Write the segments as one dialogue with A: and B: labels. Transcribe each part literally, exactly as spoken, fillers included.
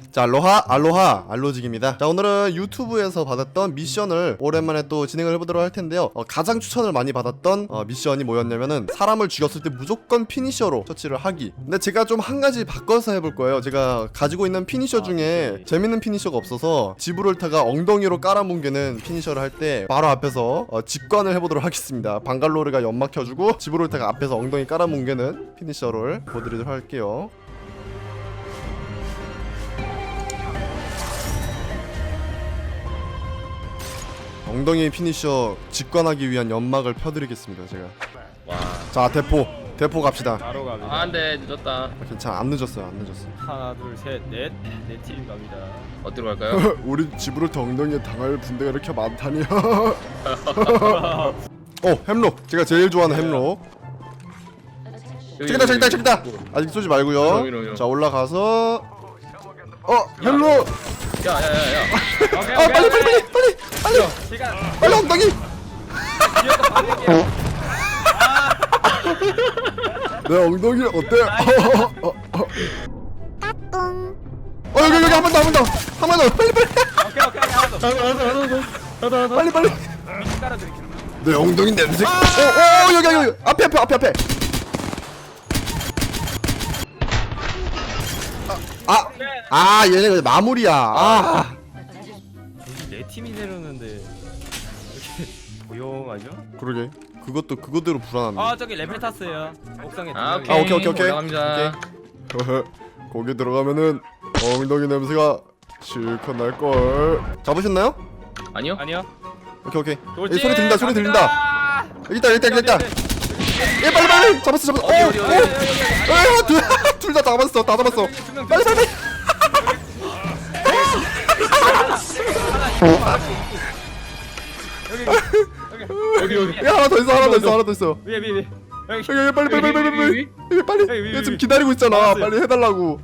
A: 자, 알로하 알로하 알로직입니다. 자, 오늘은 유튜브에서 받았던 미션을 오랜만에 또 진행을 해보도록 할 텐데요. 어, 가장 추천을 많이 받았던 어, 미션이 뭐였냐면은 사람을 죽였을 때 무조건 피니셔로 처치를 하기. 근데 제가 좀 한 가지 바꿔서 해볼 거예요. 제가 가지고 있는 피니셔 중에 재밌는 피니셔가 없어서 지브롤타가 엉덩이로 깔아뭉개는 피니셔를 할 때 바로 앞에서 어, 직관을 해보도록 하겠습니다. 방갈로르가 연막 켜주고 지브롤타가 앞에서 엉덩이 깔아뭉개는 피니셔를 보여드리도록 할게요. 엉덩이 피니셔 직관하기 위한 연막을 펴드리겠습니다. 제가.
B: 와.
A: 자, 대포 대포 갑시다.
C: 바로 갑니다.
B: 아, 안돼 늦었다.
A: 아, 괜찮아, 안 늦었어요, 안 늦었어.
C: 하나 둘셋넷네 팀 갑니다.
B: 어디로 갈까요?
A: 우리 지브롤타 엉덩이에 당할 분대가 이렇게 많다니. 어, 햄록. 제가 제일 좋아하는 햄록. 저기다, 저기다, 저기다. 아직 쏘지 말고요.
B: 이러, 이러, 이러.
A: 자, 올라가서. 어, 햄록.
B: 야야야야.
C: 오케이
A: 아, 빨리, 빨리, 빨리, 빨리, 빨리,
C: 시간.
A: 빨리 엉덩이.
C: 기어서 반응이야.
A: 내 엉덩이 어때? 어, 어, 어. 어, 여기, 여기 한 번 더, 한 번 더, 한 번 더, 빨리, 빨리,
C: 오케이 오케이 하나 더.
B: 하나 하나 하나 하나 하나.
A: 빨리, 빨리.
C: 미식 깔아드릴게요.
A: 내 엉덩이 냄새. 어, 어, 여기, 여기, 여기. 앞에, 앞에, 앞에, 앞에. 아, 아, 아, 얘네 마무리야. 아,
C: 여기 네 팀이 내렸는데 이렇게 조용하죠?
A: 그러게. 그것도 그거대로 불안한데.
C: 아 저기 레벨 탔어요. 옥상에 두
B: 아
C: 명이.
B: 오케이
A: 아, 오케이, 오케이, 오케이.
B: 올라갑니다.
A: 오케이. 거기 들어가면은 엉덩이 냄새가 실컷 날 걸. 잡으셨나요?
B: 아니요?
C: 아니요.
A: 오케이, 오케이.
C: 돌진!
A: 여기 소리 들린다, 소리 들린다.
C: 갑니다!
A: 여기 있다, 여기 있다, 여기 있다. 예, 빨리, 빨리. 잡았어, 잡았어.
B: 어디,
A: 어,
B: 어디,
A: 어,
B: 어디, 어디, 어디,
A: 어, 둘, 둘 다 잡았어, 다 잡았어. 빨리, 빨리, 빨리.
B: 여기 여기.
A: 야, 하나 더 있어, 하나 더 있어, 하나 더 있어.
C: 위에 위에 위에. 여기.
A: 여기, 여기, 빨리, 빨리, 빨리, 빨리, 빨리.
B: 위,
A: 여기 빨리.
C: 여기, 위,
A: 얘 지금
C: 위.
A: 기다리고 있잖아.
C: 알았어요.
A: 빨리 해달라고.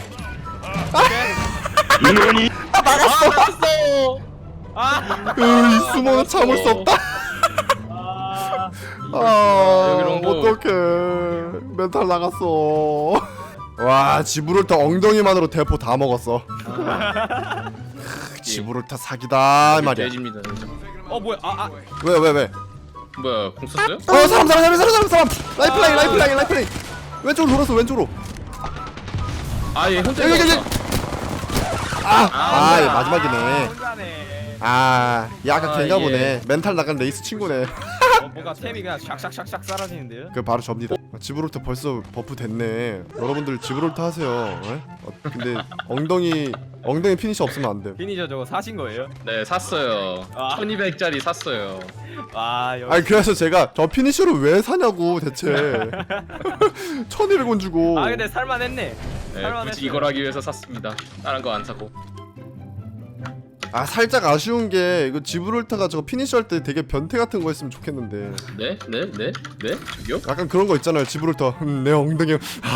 B: 막았어.
C: 아.
A: 으이, 숨어는 참을 수 없다.
C: 아.
A: 아,
B: 여기 롱보.
A: 어떡해. 멘탈 나갔어. 와, 지브롤타 엉덩이만으로 대포 다 먹었어. 지브롤타 사기다 이 말이야.
B: 돼지입니다. 진짜.
C: 어 뭐야? 아 아.
A: 왜, 왜, 왜?
B: 뭐야? 공 썼어요?
A: 어, 사람, 사람, 사람, 사람, 사람, 사람. 라이프라인, 라이프라인, 라이프라인. 왼쪽으로 돌았어, 왼쪽으로.
B: 아, 얘 혼자
A: 여기, 여기,
B: 있었다.
A: 아,
B: 아,
A: 아, 얘 마지막이네.
C: 혼자네.
A: 아, 얘 아까
B: 아,
A: 걔가
B: 예.
A: 보네. 멘탈 나간 레이스 친구네.
C: 어, 뭔가 템이 그냥 샥샥샥샥 사라지는데요?
A: 그 바로 접니다. 지브롤타 벌써 버프 됐네. 여러분들 지브롤타 하세요. 에? 어, 근데 엉덩이 엉덩이 피니시 없으면 안 돼.
C: 피니저 저거 사신 거예요?
B: 네, 샀어요.
C: 아.
B: 천이백짜리 샀어요.
C: 아 여기.
A: 아니 그래서 제가 저 피니시를 왜 사냐고 대체. 천이백 원 주고.
C: 아 근데 살만했네.
B: 네,
C: 살만했어요.
B: 굳이 이걸 하기 위해서 샀습니다. 다른 거 안 사고.
A: 아, 살짝 아쉬운 게 이거 지브롤타가 저거 피니시 할 때 되게 변태 같은 거 했으면 좋겠는데.
B: 네, 네, 네, 네. 저기요?
A: 약간 그런 거 있잖아요. 지브롤타. 음, 내 엉덩이.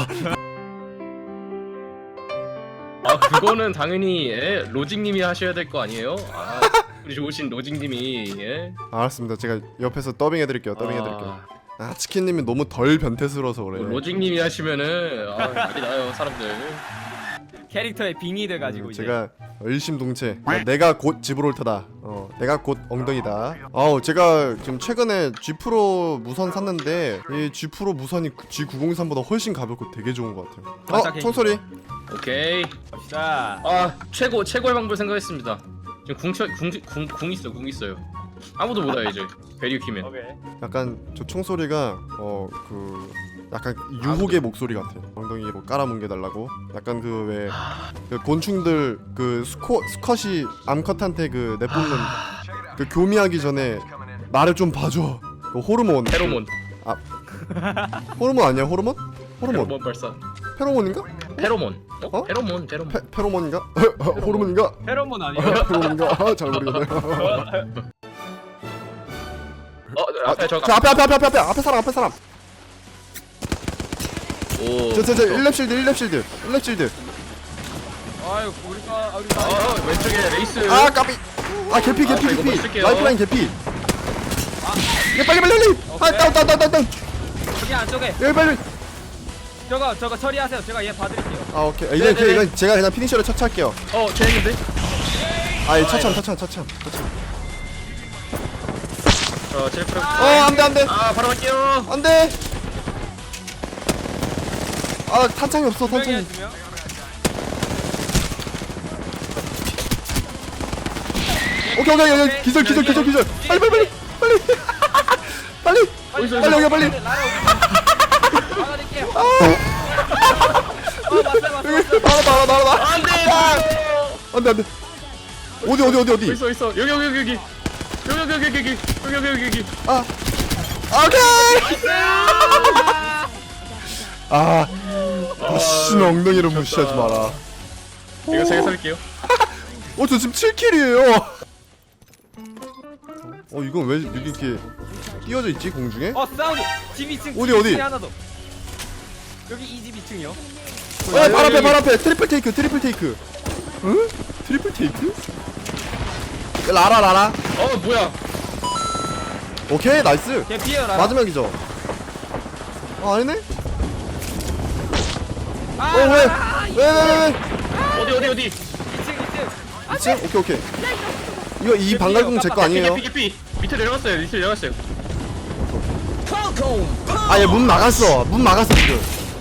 B: 아, 그거는 당연히 예, 로직님이 하셔야 될 거 아니에요? 아, 우리 좋으신 로직님이 예.
A: 아, 알았습니다. 제가 옆에서 더빙 해드릴게요. 더빙 해드릴게요.
B: 아,
A: 아, 치킨님이 너무 덜 변태스러워서 그래.
B: 로직님이 하시면은 아, 난리 나요 사람들.
C: 캐릭터에 빙의 돼 가지고
A: 음,
C: 이제.
A: 제가 일심동체. 그러니까 내가 곧 지브롤타다. 어, 내가 곧 엉덩이다. 아우, 제가 지금 최근에 G 프로 무선 샀는데 이 G 프로 무선이 G 구백삼보다 훨씬 가볍고 되게 좋은 것 같아요.
C: 맞아,
A: 어, 총소리.
B: 오케이.
C: 갑시다.
B: 아, 최고 최고의 방법 생각했습니다. 지금 궁궁궁 궁 있어 궁 있어요. 아무도 못 와요 이제. 베리어 키면.
C: 오케이.
A: 약간 저 총소리가 어 그 약간 유혹의 목소리 같아요. 엉덩이로 깔아뭉개 달라고. 약간 그 왜 그 곤충들 그 수코 수컷이 암컷한테 그 내뿜는 그 교미하기 전에 나를 좀 봐줘. 그 호르몬.
B: 페로몬.
A: 호르몬 아니야? 호르몬? 호르몬.
B: 페로몬 발사.
A: 페로몬인가?
B: 페로몬. 어?
A: 어?
B: 페로몬 페로몬.
A: 페, 페로몬인가? 호르몬인가?
C: 페로몬 아니에요?
A: 페로몬인가? 아, 잘 모르겠네.
B: 어, 앞에 저.
A: 저 앞에 앞에 앞에 앞에 앞에 앞에 사람 앞에 사람.
B: 오.
A: 저저저 일 렙 실드 일 렙 실드 일 렙 실드.
C: 아유 우리가 아, 우리가.
B: 어, 왼쪽에 레이스.
A: 아, 까비. 아, 개피
B: 아,
A: 개피
B: 저 이거 뭐
A: 개피.
B: 쓸게요.
A: 라이프라인 개피. 예, 빨리 빨리 빨리. 아,
C: 오케이.
A: 다운 다운 다운 다운 다운.
C: 저기 안쪽에.
A: 예, 빨리.
C: 저거 저거 처리하세요. 제가 얘 봐드릴게요.
A: 아 오케이. 아, 이건,
B: 네네네.
A: 이건 제가 그냥 피니셔를 처치할게요.
B: 어 죄인데?
A: 아이 처참 처참 처참 처참.
B: 어 칠프.
A: 어 안돼 안돼
B: 아 바로 갈게요.
A: 안돼. 아 탄창이 없어
C: 두 명이야
A: 탄창이.
C: 두 명.
A: 오케이 오케이 오케이 기절 기절 기절 기절. 빨리 빨리 빨리 빨리 빨리
B: 어디서,
A: 빨리 여기 빨리.
C: 막아낼게요.
A: 아
C: 어 맞다 맞다.
A: 여기 나와 나와 나와 나와.
B: 안돼.
A: 안돼 안돼. 어디 어디 어디 어디.
B: 있어 있어 여기 여기 여기 여기 여기 여기 여기 여기 여기 여기 여기 여기.
A: 아 오케이. 아 무신 엉덩이로 무시하지 마라.
B: 이거 제가 살릴게요.
A: 어 저 지금 칠 킬이에요. 어 이건 왜 이렇게 띄어져 있지 공중에?
C: 어 사운드. 집 이 층.
A: 어디,
C: 집
A: 어디?
C: 이 층에 하나 더. 여기 이 집 이 층이요.
A: 어, 발 앞에 발 앞에 트리플 테이크 트리플 테이크. 응? 트리플 테이크? 라라 라라.
B: 어 뭐야?
A: 오케이 나이스.
C: 걔 피해요 라.
A: 마지막이죠. 아 아니네?
C: 아,
A: 어 왜?
C: 아,
A: 왜 왜 왜 왜?
B: 어디 어디 어디?
C: 이 층 이 층.
A: 이층? 오케이 오케이. 이거 이 방갈궁 제 거 아니에요?
B: 개피 개피 밑에 내려갔어요. 밑에 내려갔어요.
A: 아 얘 문 막았어. 문 막았어 지금.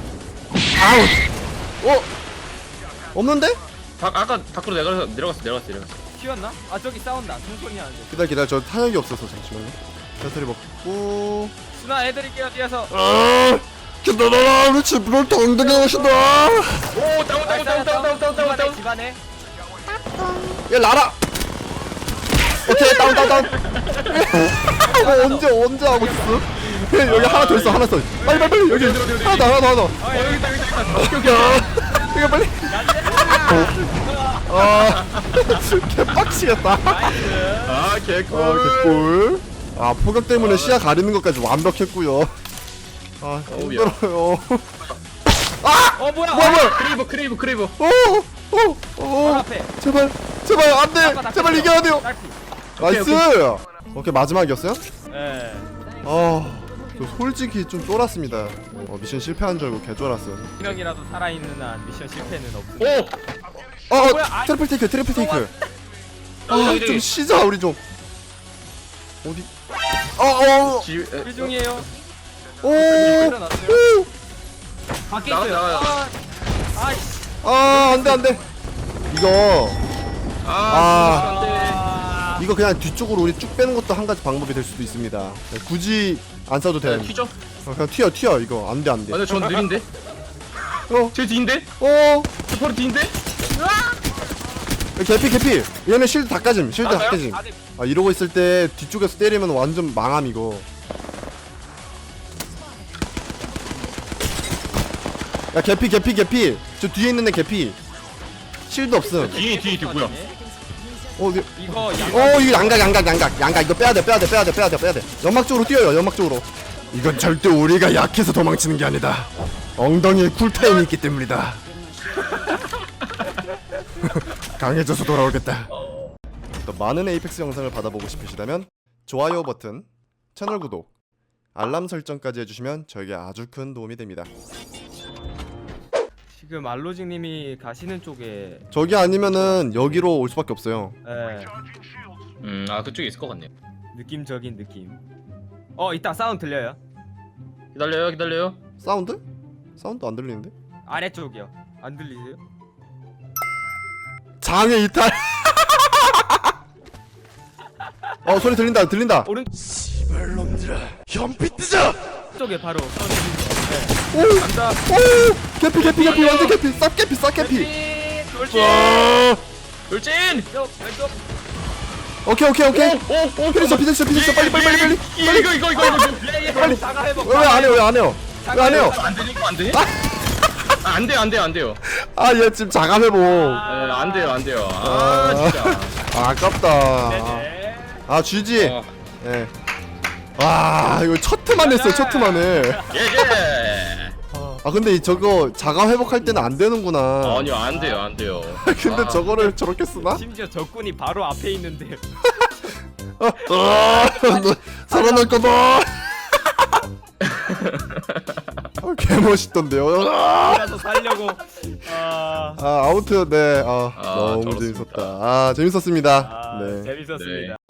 A: 아우. 어? 없는데?
B: 바, 아까 밖으로 내려가서 내려갔어 내려갔어 내려갔어.
C: 튀었나? 아 저기 싸운다. 총소리 나는데.
A: 기다려 기다려 저 탄약이 없어서 잠시만요. 배터리 먹고.
C: 순아 해드릴게요 뒤에서.
A: 아 기다려라 우리 집으로 당당히 오신다.
B: 오 다운 다운 다운 다운 다운 다운 다운 다운.
C: 집안에.
A: 야 라라. 오케이 다운 다운 다운. 어, 언제 언제 하고 있어? 여기 하나 더 있어 하나 더. 빨리 빨리 빨리 여기 하나 더 하나 더 하나 더.
B: 어 여기 있다 여기 있다. 오케이 오케이.
A: 이거 빨리. 아 개빡치겠다.
B: 아
A: 아
B: 개꿀.
A: 개꿀. 아 포격 때문에 시야 가리는 것까지 완벽했고요. 아
B: 어우야.
A: 힘들어요.
C: 어 뭐야?
A: 뭐야 뭐야.
B: 크레이브 크레이브 크레이브.
A: 오오오
C: 바로 앞에.
A: 제발 제발 안돼
C: 아까
A: 제발
C: 낚였어.
A: 이겨야 돼요.
C: 딸피.
A: 나이스. 오케이 마지막이었어요?
C: 예.
A: 아, 저 솔직히 좀 쫄았습니다. 어, 미션 실패한 줄 알고 개 쫄았어요.
C: 한 명이라도 살아있는 한 미션 실패는 없어.
B: 오.
A: 어,
C: 뭐야?
A: 어
C: 아이.
A: 트리플 테이크, 트리플 테이크. 아,
B: 여기,
A: 좀
B: 여기.
A: 쉬자 우리 좀. 어디? 어, 어,
B: 지. 에,
C: 일 중이에요.
A: 오,
C: 일어났어요.
A: 오.
C: 밖에
B: 나가,
C: 있어요.
B: 나가요.
C: 아, 아이씨.
A: 아, 안돼 안돼. 이거
B: 아.
A: 아.
B: 안돼.
C: 아,
A: 이거 그냥 뒤쪽으로 우리 쭉 빼는 것도 한 가지 방법이 될 수도 있습니다. 네, 굳이 안 써도 돼.
B: 네, 튀죠?
A: 어, 그냥 튀어 튀어 이거 안돼
B: 아
A: 안돼.
B: 근데 전 느린데?
A: 어,
B: 제 뒤인데?
A: 어,
B: 저 바로 뒤인데?
A: 개피 개피. 얘는 실드 다 까짐, 실드 다
B: 맞아요?
A: 까짐.
C: 아, 네.
A: 아 이러고 있을 때 뒤쪽에서 때리면 완전 망함 이거. 야 개피 개피 개피. 저 뒤에 있는 애 개피. 실드 없음.
B: 뒤에 뒤에 뒤에 뭐야?
A: 어, 이-
C: 이거
A: 어 이거 양각 양각 양각 양각 이거 빼야 돼 빼야 돼 빼야 돼 빼야 돼 빼야 돼. 연막 쪽으로 뛰어요 연막 쪽으로. 이건 절대 우리가 약해서 도망치는 게 아니다. 엉덩이에 쿨타임이 있기 때문이다. 강해져서 돌아오겠다. 더 많은 에이펙스 영상을 받아보고 싶으시다면 좋아요 버튼, 채널 구독, 알람 설정까지 해주시면 저에게 아주 큰 도움이 됩니다.
C: 지금 알로직님이 가시는 쪽에
A: 저기 아니면은 여기로 올 수밖에 없어요.
C: 예,
B: 음아 그쪽에 있을 것 같네요.
C: 느낌적인 느낌. 어 이따 사운드 들려요?
B: 기다려요 기다려요.
A: 사운드? 사운드 안 들리는데?
C: 아래쪽이요. 안 들리세요?
A: 장애 이탈. 어 소리 들린다 들린다.
C: 오른
A: 씨발놈들아 현피 뜨자.
C: 쪽에 바로 사운드 들리죠?
A: 오,
C: 간다.
A: 오, 개피 개피 개피 완전 개피 쌉 개피 쌉 개피.
C: 돌진! 돌진!
A: 와,
B: 돌진!
C: 왼쪽 왼쪽.
A: 오케이 오케이 오케이.
B: 오오오
A: 피니셔 피니셔 피니셔 빨리 빨리 빨리 빨리.
B: 이거 이거 이거 이거 이거.
C: 예예.
A: 빨리.
C: 사과 회복.
A: 왜 안 해요 왜 안 해요? 왜 안 해요?
B: 안 되니까 안 돼? 아, 안 돼요 안 돼요 안 돼요.
A: 아 얘 지금 자감 회복.
B: 에, 안 돼요 안 돼요. 아
A: 아.
B: 진짜.
A: 아, 아깝다.
C: 네네.
A: 아 쥐지.
B: 어,
A: 예. 와 이거 첫 트만 했어요 첫 트만 해.
B: 예예.
A: 아 근데 이 저거 자가 회복할 때는 안 되는구나.
B: 아니요 안 돼요 안 돼요.
A: 근데
B: 아.
A: 저거를 저렇게 쓰나?
C: 심지어 적군이 바로 앞에 있는데.
A: 아, 아, 너 살아날 거다. 오케이. 개멋있던데요.
C: 이라도 살려고. 아,
A: 아 아무튼 네 아,
B: 아,
A: 너무
B: 저렇습니다.
A: 재밌었다. 아 재밌었습니다.
C: 아
A: 네.
C: 재밌었습니다.